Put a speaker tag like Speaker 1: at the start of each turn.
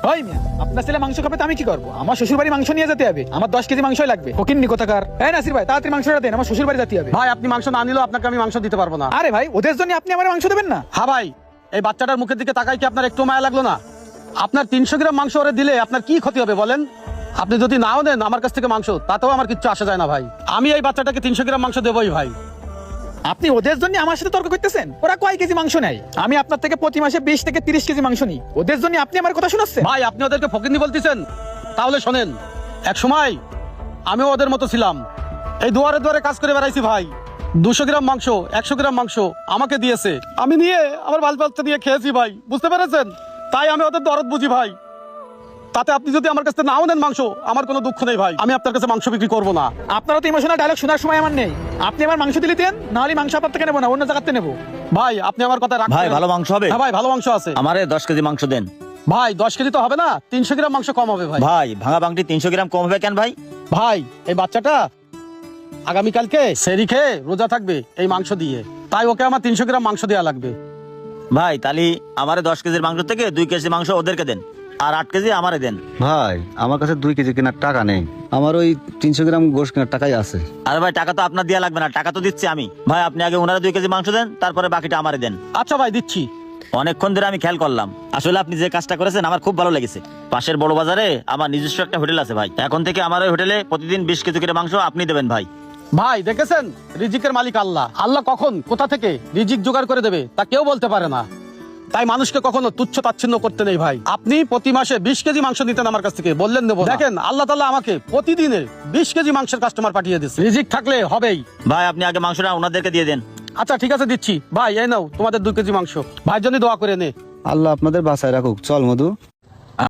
Speaker 1: ওই মিয়া, আপনার ছেলে মাংস খাবে তো আমি কি করবো? আমার শ্বশুর বাড়ি মাংস নিয়ে যেতে হবে, আমার 10 কেজি মাংসই লাগবে। ফকিন্নি কোথাকার। এই নাসির ভাই, তাড়াতাড়ি মাংসটা দেন, আমার শ্বশুর বাড়ি যেতে হবে।
Speaker 2: ভাই আপনি মাংস না নিলেও আপনাকে আমি মাংস দিতে পারবো না।
Speaker 1: আরে ভাই, ওদের জন্য আপনি আমার মাংস দেবেন না?
Speaker 2: হ্যাঁ ভাই, এই বাচ্চাটার মুখের দিকে তাকাই কি আপনার একটু মায়া লাগলো না? আপনার 300 গ্রাম মাংস ওরে দিলে আপনার কি ক্ষতি হবে বলেন? আপনি যদি নাও দেন আমার কাছ থেকে মাংস, তাতেও আমার কিচ্ছু আসা যায় না ভাই। আমি এই বাচ্চাটাকে 300 গ্রাম মাংস দেবই ভাই।
Speaker 1: আপনি ওদের জন্য আমার সাথে তর্ক করতেছেন? ওরা কয় কেজি মাংস নেয়? আমি আপনার থেকে প্রতি মাসে 20 থেকে 30 কেজি মাংস নিই। ওদের জন্য আপনি আমার কথা শোনাচ্ছেন?
Speaker 2: ভাই আপনি ওদেরকে ফকিন্নি বলতেছেন? তাহলে শোনেন, এক সময় আমিও ওদের মতো ছিলাম, এই দুয়ারে দুয়ারে কাজ করে বেড়াইছি ভাই। 200 গ্রাম মাংস, 100 গ্রাম মাংস আমাকে দিয়েছে, আমি নিয়ে আমার বাল বাচ্চা দিয়ে খেয়েছি ভাই, বুঝতে পেরেছেন? তাই আমি ওদের দরদ বুঝি ভাই। তাতে আপনি যদি আমার কাছে নাও নেন মাংস, আমার কোনো দুঃখ নেই ভাই, আমি আপনার কাছে মাংস বিক্রি করবো না।
Speaker 1: আপনারও তো ইমোশনাল ডায়লগ শোনার সময় আমার নেই। আপনি আমার মাংস দিলে দেন, নাহলে মাংস আপনার থেকে নেবো না, অন্য জায়গাতে নেবো।
Speaker 2: ভাই আপনি আমার কথা রাখবেন।
Speaker 3: ভাই ভালো মাংস হবে?
Speaker 2: হ্যাঁ ভাই ভালো মাংস আছে।
Speaker 3: আমারে 10 কেজি মাংস দেন।
Speaker 2: ভাই 10 কেজি তো হবে না, 300 গ্রাম মাংস কম হবে ভাই।
Speaker 3: ভাই ভাঙা বাংটি 300 গ্রাম কম হবে কেন ভাই?
Speaker 2: ভাই এই বাচ্চাটা আগামীকালকে সেরি খেয়ে রোজা থাকবে এই মাংস দিয়ে, তাই ওকে আমার 300 গ্রাম মাংস দেওয়া লাগবে।
Speaker 3: ভাই তাহলে আমারে 10 কেজির মাংস থেকে 2 কেজি মাংস ওদেরকে দেন, আর 8 কেজি আমারে দেন।
Speaker 4: ভাই আমার কাছে 2 কেজি কেনার টাকা নেই, আমার ওই 300 গ্রাম গোশ কেনার টাকাই আছে।
Speaker 3: আরে ভাই টাকা তো আপনার দেয়া লাগবে না, টাকা তো দিচ্ছি আমি। ভাই আপনি আগে ওনারা 2 কেজি মাংস দেন, তারপরে বাকিটা আমারে দেন।
Speaker 2: আচ্ছা ভাই দিচ্ছি।
Speaker 3: অনেকক্ষণ ধরে আমি খেয়াল করলাম, আসলে আপনি যে কাজটা করেছেন আমার খুব ভালো লেগেছে। পাশের বড় বাজারে আমার নিজস্ব একটা হোটেল আছে ভাই, এখন থেকে আমার ওই হোটেলে প্রতিদিন 20 কেজি করে মাংস আপনি দেবেন ভাই।
Speaker 2: ভাই দেখেছেন, রিজিকের মালিক আল্লাহ, আল্লাহ কখন কোথা থেকে রিজিক জোগাড় করে দেবে তা কেউ বলতে পারে না। তাই মানুষকে কখনো তুচ্ছ তাচ্ছিন্ন করতে নেই ভাই। আপনি প্রতি মাসে 20 কেজি মাংস নিতেন আমার কাছ থেকে, বললেন দেবো না। দেখেন আল্লাহ তাআলা আমাকে প্রতিদিনে 20 কেজি মাংসের কাস্টমার পাঠিয়ে দিচ্ছে, রিজিক থাকলে হবেই।
Speaker 3: ভাই আপনি আগে মাংসটা ওনাদেরকে দিয়ে দেন।
Speaker 2: আচ্ছা ঠিক আছে দিচ্ছি। ভাই এই নাও তোমাদের 2 কেজি মাংস, ভাইয়ের জন্য দোয়া করে নে।
Speaker 4: আল্লাহ আপনাদের বাঁচায় রাখুক। চল মধু।